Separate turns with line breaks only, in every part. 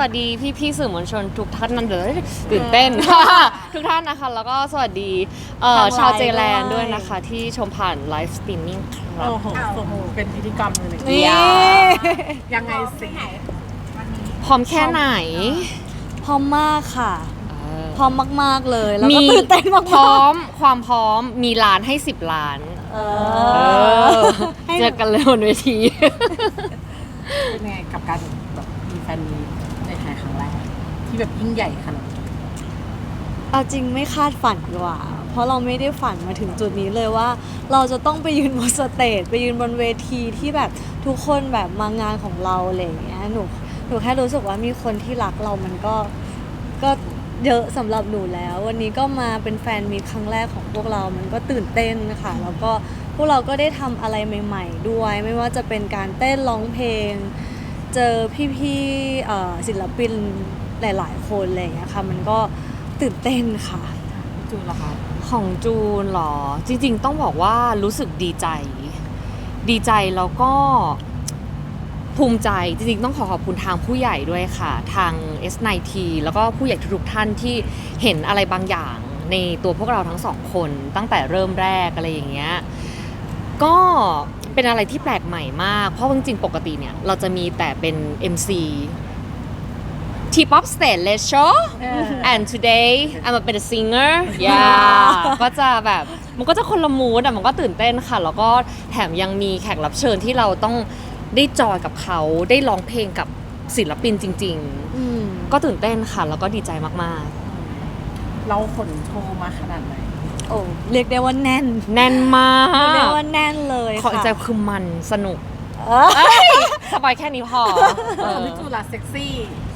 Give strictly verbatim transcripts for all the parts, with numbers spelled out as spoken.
วัสดีพี่พี่ๆสื่อมวลชนทุกท่านนั่นเดี๋ยวตื่นเต้น ทุกท่านนะคะแล้วก็สวัสดีเอ่อชาวเจแลนด์ด้วยนะคะที่ชมผ่านไลฟ์สตรีมมิ่งครับ
โอ้โหโอ้โหเป็นพิธีกรรมเลย
นี่
ยา
ยังไงสิ
พร้อมแค่ไหน
พร้อมมากค่ะ
เออ
พร้อมมากๆเลย แล้วก็
มี
ตื่นเต้นมากๆ
พร้อมความพร้อมมีล้านให้สิบล้าน
เอ
เอ
อ
อ
ให้
เจอกันเลยบนเวที
เป็นไงกับการแบบมีแฟนมีในไทยครั้งแรกที่แบบยิ่งใหญ่ขนาดนี้
เอาจริงไม่คาดฝันดีกว่า เพราะเราไม่ได้ฝันมาถึงจุดนี้เลยว่า เราจะต้องไปยืนบนสเตจไปยืนบนเวทีที่แบบทุกคนแบบมางานของเราอะไรอย่างเงี้ยหนูหนูแค่รู้สึกว่ามีคนที่รักเรามันก็ก็เยอะสำหรับหนูแล้ว วันนี้ก็มาเป็นแฟนมีตครั้งแรกของพวกเรา มันก็ตื่นเต้นค่ะแล้วก็พวกเราก็ได้ทำอะไรใหม่ ๆ ด้วย ไม่ว่าจะเป็นการเต้นร้องเพลง เจอพี่ๆเอ่อศิลปินหลาย ๆ คนอะไรอย่างเงี้ยค่ะมันก็ตื่นเต้นค่ะ
จูนเหรอคะ
ของจูนเหรอ จริงๆ ต้องบอกว่ารู้สึกดีใจ ดีใจแล้วก็ภูมิใจ จริงๆ ต้องขอขอบคุณทางผู้ใหญ่ด้วยค่ะ ทาง เอส ไนน์ ที แล้วก็ผู้ใหญ่ทุกๆท่านที่เห็นอะไรบางอย่างในตัวพวกเราทั้งสองคน ตั้งแต่เริ่มแรกอะไรอย่างเงี้ยก็เป็นอะไรที่แปลกใหม่มาก เพราะจริงๆ ปกติเนี่ยเราจะมีแต่เป็น เอ็ม ซี T-pop stage let's show and today I'm a bit a singer yeah ก็จะแบบมันก็จะคนละมูดอ่ะมันก็ตื่นเต้นค่ะ แล้วก็แถมยังมีแขกรับเชิญที่เราต้องได้จอยกับเขาได้ร้องเพลงกับศิลปินจริง
อืม
ๆ ก็ตื่นเต้นค่ะ แล้วก็ดีใจมาก
เราขนโชว์มาขนาดไหน
โอ้เรียกได้ว่าแน่น
ๆ แน่นมา
เรียกได้
ก
ว่าแน่นเลย
ขอ
ค่ะ
ใจคือมันสนุก
เออ
สบายแค่นี้พอเอ
ของ
อ
พี่จูนล่ะเซ็กซี่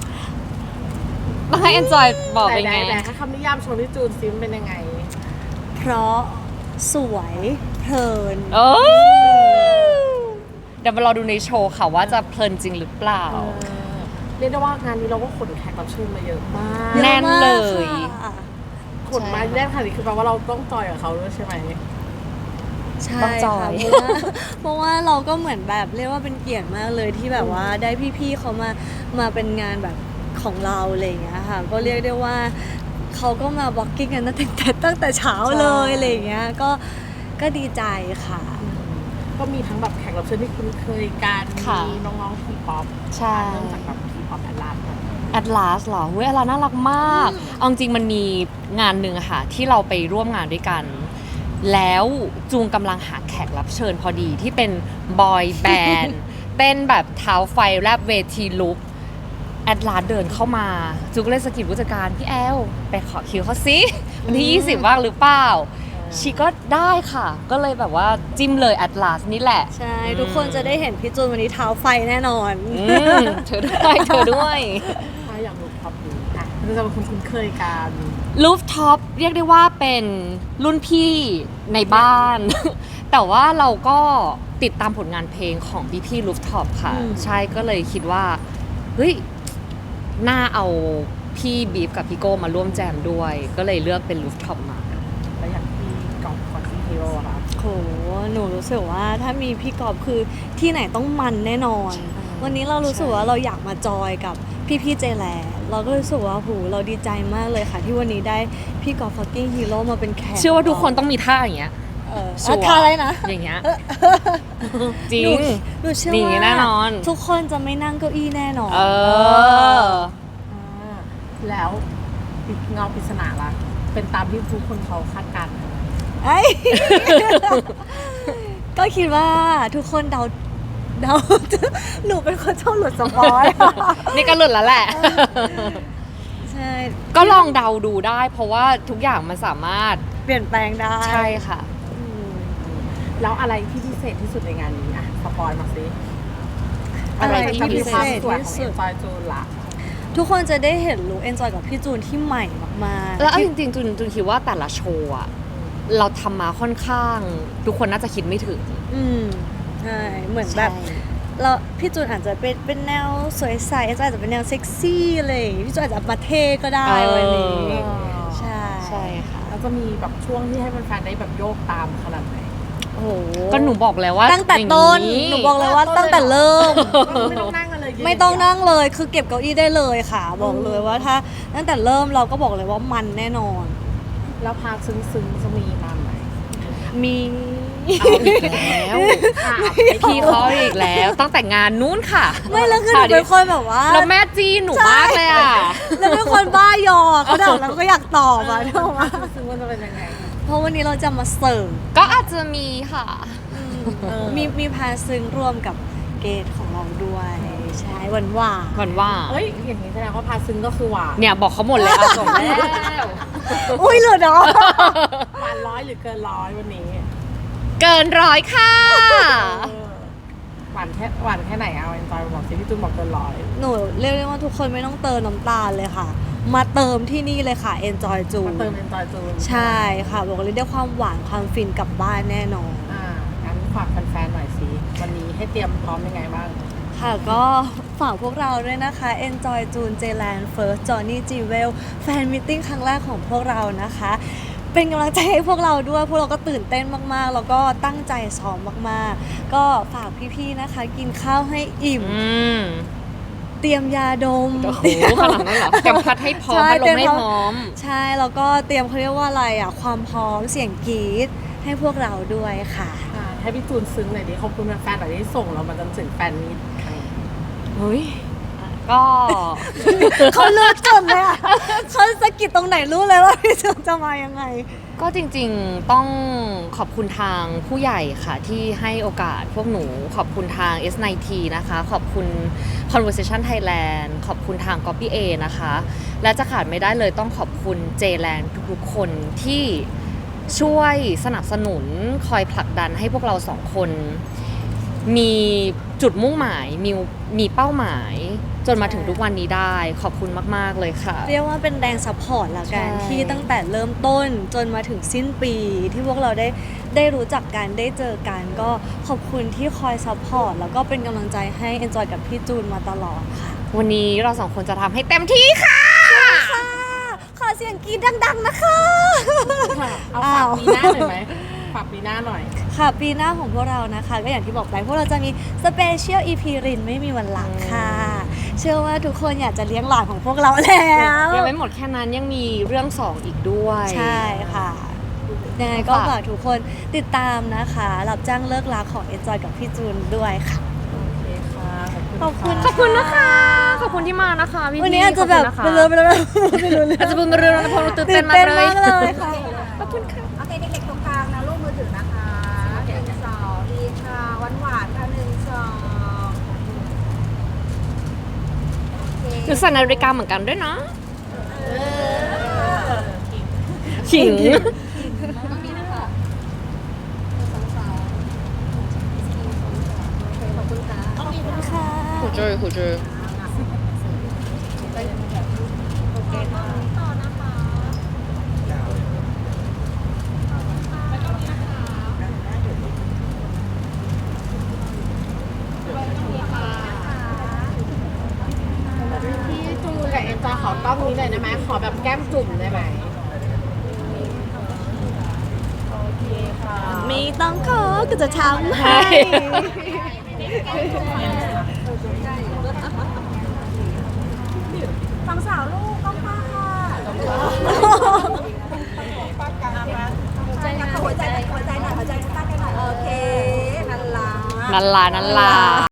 ต้องให้ enjoy บอก
แต่
เป็น
ไหน
ไง
แต่ถ้าคำนิยามโชว์พี่จูนซิมเป็นยังไง
เพราะสวยเพลิน
โอ้เดี๋ยวมารอดูในโชว์ค่ะว่าจะเพลินจริงหรือเปล่า
เออเรียกได้ว่างานนี้เราก็ขนแขกรับเชิญมาเยอะมาก
แน่นเลย
ค่ะ
ขนมาแน่นขนาดนี้คือแปลว่าเราต้องจอยกับเขาด้วยใช่ไหม
ใช่
ต้องจอ
ค่ะ
ย
เพราะว่าเพราะว่าเราก็เหมือนแบบเรียกว่าเป็นเกียรติมากเลยที่แบบว่าได้พี่ๆเขามามาเป็นงานแบบของเราอะไรอย่างเงี้ยค่ะ ก็เรียกได้ว่าเขาก็มาบล็อกกิ้งกันตั้งแต่ตั้งแต่เช้าเลยอะไรอย่างเงี้ยก็ก็ดีใจค่ะ
ก็มีทั้งแบบแขกรับเชิญที่คุ้นเคยกัน
ค่ะ
มีน้องๆทีป๊อป
ใช่
เริ่มจากแบบทีป๊อปแอดลาสก่อน
แอดลาสเหรอเว้ยแอดลาสน่ารักมาก เอาจริงๆมันมีงานหนึ่งอะค่ะ ที่เราไปร่วมงานด้วยกัน แล้วจูงกำลังหาแขกรับเชิญพอดีที่เป็นบอยแบนด์ เต้นแบบเท้าไฟแรบเวทีลุกแอดลาสเดินเข้ามา จูก็เลยสะกิดผู้จัดการ พี่แอล ไปขอคิวเขาสิวันที่ ยี่สิบว่างหรือเปล่า ชีก็ได้ค่ะ ก็เลยแบบว่าจิ้มเลยแอดลาสนี่แหละ
ใช่ ทุกคนจะได้เห็นพี่จูนวันนี้เท้าไฟแน่นอน
อืมเธอด้วยเธอด้วย
ถ้าอย่างลูกท็อปดูอ่ะเราจะเป็นคนคุ้นเคยกัน
ลูฟท็อปเรียกได้ว่าเป็นรุ่นพี่ในบ้าน แต่ว่าเราก็ติดตามผลงานเพลงของพี่พี่ลูฟท็อปค่ะ
อืม
ใช่ก็เลยคิดว่า เฮ้ย น่าเอาพี่บีฟกับพี่โก้มาร่วมแจมด้วย ก็เลยเลือกเป็นลูฟท็อปมา
แล้วอย่างที่กอล์ฟคอนซี่ฮีโร่ค่ะ
โห หนูรู้สึกว่าถ้ามีพี่กอบคือที่ไหนต้องมันแน่นอน
ใช่
วันนี้เรารู้สึกว่าเราอยากมาจอยกับพี่พี่ๆเจแลเราก็รู้สึกว่าโหเราดีใจมากเลยค่ะ ที่วันนี้ได้พี่กอบฟักกิ้งฮีโร่มาเป็นแขก
เชื่อว่าทุกคนต้องมีท่าอย่างเงี้ย
เออ
ชัวร์
อ่ะทาอะไรนะ
อย่างเงี้ย จริ
หนู
ง
หนูเชื่อ
หนี
ว่า
แน่นอน
ทุกคนจะไม่นั่งเก้าอี้แน่นอน
เออ
อ่าแล้วเงาปริศนาล่ะ เป็นตามที่ทุกคนเขาคาดการณ์ไหม
เอ้ย ก็คิดว่าทุกคนเดาเดา หนูเป็นคนชอบหลุดสปอย
นี่ก็หลุดแล้วแหละ
ใช่
ก็ลองเดาดูได้ เพราะว่าทุกอย่างมันสามารถ
เปลี่ยนแปลงได้
ใช่ค่ะ
อืม
แล้วอะไรที่พิเศษที่สุดในงานนี้อ่ะสปอยมาสิ
อะไรที่
จะมี
พิ
ค
เศ
วาม
ษ
สวยข
ที่
อง
สุ
เอ็
ด
นจอยจูนล่ะ
ทุกคนจะได้เห็นลุคเอนจอยกับพี่จูนที่ใหม่มากๆ
แล้วเอา
ที่
จริงๆจุนจุนคิดว่าแต่ละโชว์อะเราทำมาค่อนข้าง ทุกคนน่าจะคิดไม่ถึง
อืมใช่เหมือน
ใช่
แบบเราพี่จูนอาจจะเป็นเป็นแนวสวยใสเอนจอยอาจจะเป็นแนวเซ็กซี่อะไรอย่างงี้พี่จูนอาจจะมาเท่ก็ได้วันนี้
เออ
ใช่
ใช่ค่ะ
แล้วจะมีแบบช่วงที่ให้แฟนๆได้แบบโยกตามขนาดไหน
โอ้โห
ก็หนูบอกแล้วว่า
ตั้งแต่ต้น
อย่าง
หนูบอกเลยว่าตั้งแต่เริ่ม
ไม่ต้องนั่งกันเลย
ไม่ต้องนั่งเลยคือเก็บเก้าอี้ได้เลยค่ะ บอกเลยว่าถ้าตั้งแต่เริ่มเราก็บอกเลยว่ามันแน่นอน
แล้วพาซึ้งซึ้งๆจะมีมาไหม
มี
เอาอีกแล้วพี่เขาอีกแล้ว ตั้งแต่งานนู้นค่ะ
ไม่แล้วคือหนูเป็นคนแบบว่า
แล้วแม่จีนหนูมากเลยอ่ะ
แล้วเป็นคนบ้ายอเขาถามแล้วก็อยากตอบอ่ะ ถูกไหม
ซึ้งๆมันจะเป็นยังไง
เพราะวันนี้เราจะมาเสิร์ฟ
ก็อาจจะมีค่ะ
เออ
มีมีพาซึ้งร่วมกับเกตของเราด้วยใช่หวานหวาน
หวันว่า
เอ้ยอย่างนี้แสดงว่าพาซึ้งก็คือหวาน
เนี่ยบอกเขาหมดเลยเอาส่งแล้ว
อุ้ยหลุดเหรอ
หวานร้อยหรือเกินร้อยวันนี้
เกินร้อยค่ะ
เออหวานแค่หวานแค่ไหนเอาเอ็นจอยบอกสิพี่จูนบอกเกินร้อย
หนูเรียกได้ว่าทุกคนไม่ต้องเติมน้ำตาลเลยค่ะ มาเติมที่นี่เลยค่ะ Enjoy จู
มาเติมเอ็นจอยจูน
ใช่ค่ะบอกเลยได้ความหวานความฟินกลับบ้านแน่นอน
อ่างั้นฝากแฟนๆหน่อยสิวันนี้ให้เตรียมพร้อมยังไงบ้าง
ค่ะก็ฝากพวกเราด้วยนะคะ Enjoy June J-Land First Johnny G Well แฟนมิทติ้งครั้งแรกของพวกเรานะคะ เป็นกำลังใจให้พวกเราด้วย พวกเราก็ตื่นเต้นมากๆ แล้วก็ตั้งใจซ้อมมากๆ ก็ฝากพี่ๆนะคะ กินข้าวให้อิ่ม
อืม
เตรียมยาดม
โอ้โหขนาดนั้นเหรอเตรียมพัดให้พร้อม
ใช่
พัดลมให้
เตรียม
พร้อม
ใช่แล้วก็เตรียมเขาเรียกว่าอะไรอ่ะความพร้อมเสียงกรี๊ดให้พวกเราด้วยค่ะ
อ่าให้พี่จูนซึ้งหน่อยดิขอบคุณแฟนๆหน่อยที่ส่งเรามาจนถึงแฟนมีตครั้งนี้
เฮ้ย ก็
เขาเลือกจนเลยอ่ะเขาสะกิดตรงไหนรู้เลยว่าพี่จูนจะมายังไง
ก็จริงๆต้องขอบคุณทางผู้ใหญ่ค่ะที่ให้โอกาสพวกหนูขอบคุณทาง เอส ไนน์ ที นะคะ ขอบคุณ Conversation Thailand ขอบคุณทาง Copy A นะคะ และจะขาดไม่ได้เลยต้องขอบคุณ J-Land ทุกๆคนที่ช่วยสนับสนุนคอยผลักดันให้พวกเราสองคน มีจุดมุ่งหมาย มีมีเป้าหมาย จนมาถึงทุกวันนี้ได้ ขอบคุณมากๆเลยค่ะ
เรียกว่าเป็นแรงซัพพอร์ตละกัน
ใช่
ที่ตั้งแต่เริ่มต้นจนมาถึงสิ้นปี ที่พวกเราได้ได้รู้จักกันได้เจอกัน ก็ขอบคุณที่คอยซัพพอร์ตแล้วก็เป็นกำลังใจให้ Enjoy กับพี่จูนมาตลอดค่ะ
วันนี้เราสองคนจะทำให้เต็มที่ค่ะ
ค่ะ ขอเสียงกรีดดังๆนะคะ
เอาฝากปีหน้าหน่อยไหมฝากปีหน้าหน่อย
ค่ะปีหน้าของพวกเรานะคะ ก็อย่างที่บอกไปพวกเราจะมีสเปเชียล อี พี รินไม่มีวันหลังค่ะ เชื่อว่าทุกคนอยากจะเลี้ยงหลานของพวกเราแล้ว
ยังไม่หมดแค่นั้นยังมีเรื่องสองอีกด้วย
ใช่ค่ะยังไงก็
ค่ะ
ฝากทุกคนติดตามนะคะ รับจ้างเลิกลาของ Enjoy กับพี่จูนด้วยค่ะ
โอเคค่ะ
ขอบคุณ
ขอบคุณนะคะ ขอบคุณที่มานะคะพี่
วันนี้อาจจะแบบ
ข
ไป
อบ
เล
คุ
ย
ณ
ไป
นะคะ
เลยไม่รู้เรื่
อาจจะเป็นเรื่องนะเพราะเราตื่นเต้นมาก
ตื่น
เล
เต้น
ย
มากเลยค่ะ
ขอบคุณค่ะ
โอเคเด็กๆตรงกลางนะลูกมือถือนะคะหนึ่งสองดีค่ะหวานหวานๆค่ะหนึ่งสองโอเค
หนูใส่นาฬิกาเหมือนกันด้วยนะขิง
ต้องมีนะคะสองสองขอบคุณค่ะ
ค่ะ
หูเจอหูเจอ
โอเคค่ะต่อนะคะ
พี่จูนกับเอ็นจอยขอกล้องนี้หน่อยได้ไหมขอแบบแก้มจุ่มได้ไหมโอเคค่ะ
ไม่ต้องขอก็จะทำให้
ฝั่งสาวลูกต้องป้าค่ะหัวใจหน่อยหัวใจหัวใจหน่อยหัวใจตั้งกันหน่อยโอเคนั่นล่ะ
นันลานันลา